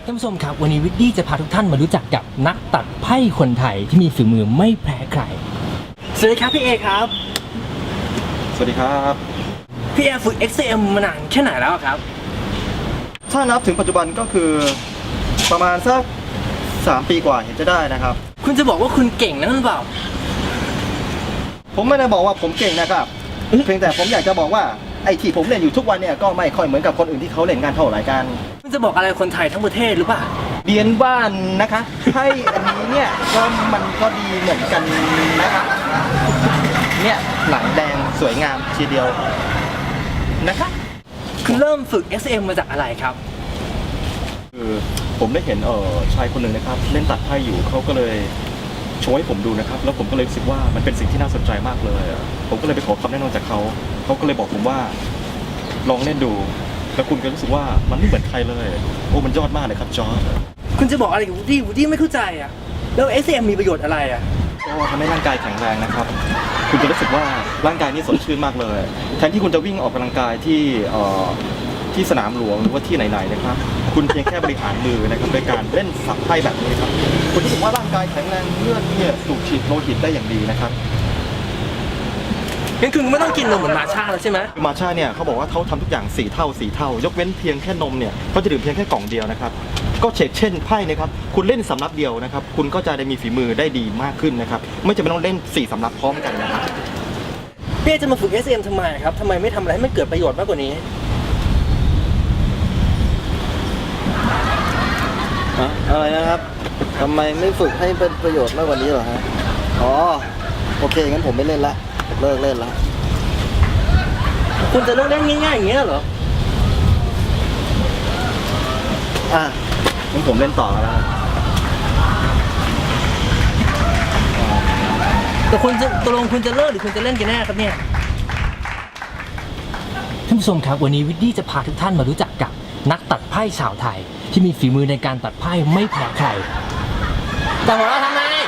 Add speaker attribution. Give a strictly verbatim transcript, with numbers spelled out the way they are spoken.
Speaker 1: ท่านผู้ชมครับวันนี้วิดดี้จะพาทุกท่านมารู้จักกับนักตัดไพ่คนไทยที่มีฝีมือไม่แพ้ใครสวัสดีครับพี่เอครับ
Speaker 2: สวัสดีครับ
Speaker 1: พี่เอฝึก เอ็กซ์ เอ็ม มานานแค่ไหนแล้วครับ
Speaker 2: ถ้านับถึงปัจจุบันก็คือประมาณสักสามปีกว่าเห็นจะได้นะครับ
Speaker 1: คุณจะบอกว่าคุณเก่งนะหรือเปล่า
Speaker 2: ผมไม่ได้บอกว่าผมเก่งนะครับเพียงแต่ผมอยากจะบอกว่าไอ้ที่ผมเล่นอยู่ทุกวันเนี่ยก็ไม่ค่อยเหมือนกับคนอื่นที่เขาเล่นงานเท่าไหร่กัน
Speaker 1: คุณจะบอกอะไรคนไทยทั้งประเทศหรือเปล่า
Speaker 2: เรียนบ้านนะคะให้อันนี้เนี่ยก็มันก็ดีเหมือนกันนะคะเนี่ยหนังแดงสวยงามทีเดียวนะคะ
Speaker 1: คุณเริ่มฝึก เอ็กซ์ เอ็ม มาจากอะไรครับ
Speaker 2: คือผมได้เห็นเออชายคนหนึ่งนะครับเล่นตัดไพ่อยู่เขาก็เลยโชว์ให้ผมดูนะครับแล้วผมก็เลยรู้สึกว่ามันเป็นสิ่งที่น่าสนใจมากเลยผมก็เลยไปขอคำแนะนำจากเขาเขาก็เลยบอกผมว่าลองเล่นดูแล้วคุณก็รู้สึกว่ามันไม่เหมือนใครเลยโอ้มันยอดมากเลยครับจอร์จ
Speaker 1: คุณจะบอกอะไรกับวูดดี้วูดดี้ไม่เข้าใจอ่ะแล้ว เอ็กซ์ เอ็ม มีประโยชน์อะไรอ่ะ
Speaker 2: ก็ทำให้ร่างกายแข็งแรงนะครับคุณจะรู้สึกว่าร่างกายนี่สดชื่นมากเลยแทนที่คุณจะวิ่งออกกำลังกายที่เอ่อที่สนามหลวงหรือว่าที่ไหนๆนะครับคุณเพียงแค่บริหารมือนะครับโดยการเล่นสับไพ่แบบนี้ครับคุณรู้สึกว่าร่างกายแข็งแรงเลือดเนี่ยสูบฉีดโลหิตได้อย่างดีนะครับ
Speaker 1: งั้นคุณไม่ต้องกินนมเหมือนมาชาแล้วใช่ไหม
Speaker 2: มาชาเนี่ยเขาบอกว่าเขาทำทุกอย่างสี่เท่าสี่เท่ายกเว้นเพียงแค่นมเนี่ยเขาจะดื่มเพียงแค่กล่องเดียวนะครับก็เช่นเช่นไพ่นะครับคุณเล่นสำรับเดียวนะครับคุณก็จะได้มีฝีมือได้ดีมากขึ้นนะครับไม่จำเป็นต้องเล่นสี่สำรับพร้อมกันนะครับ
Speaker 1: พี่จะมาฝึก เอ็กซ์ เอ็ม ทำไมครับทำไมไม่ทำอะไรให้มันเกิดประโยชน์มากกว่านี้
Speaker 3: อะไรนะครับทำไมไม่ฝึกให้เป็นประโยชน์มากกว่านี้เหรอฮะอ๋อโอเคงั้นผมไม่เล่นละเลิกเล่นละ
Speaker 1: คุณจะเลิกเล่นง่ายๆอย่างเงี้ยเหรอ
Speaker 2: อ่ะงั้นผมเล่นต่อแล้ว
Speaker 1: แต่คุณจะตกลงคุณจะเลิกหรือคุณจะเล่นกันแน่ครับเนี่ยท่านผู้ชมครับวันนี้วิดดี้จะพาทุกท่านมารู้จักกับนักตัดไพ่ชาวไทยที่มีฝีมือในการตัดไพ่ไม่แพ้ใครแต่หัวเราะทำไม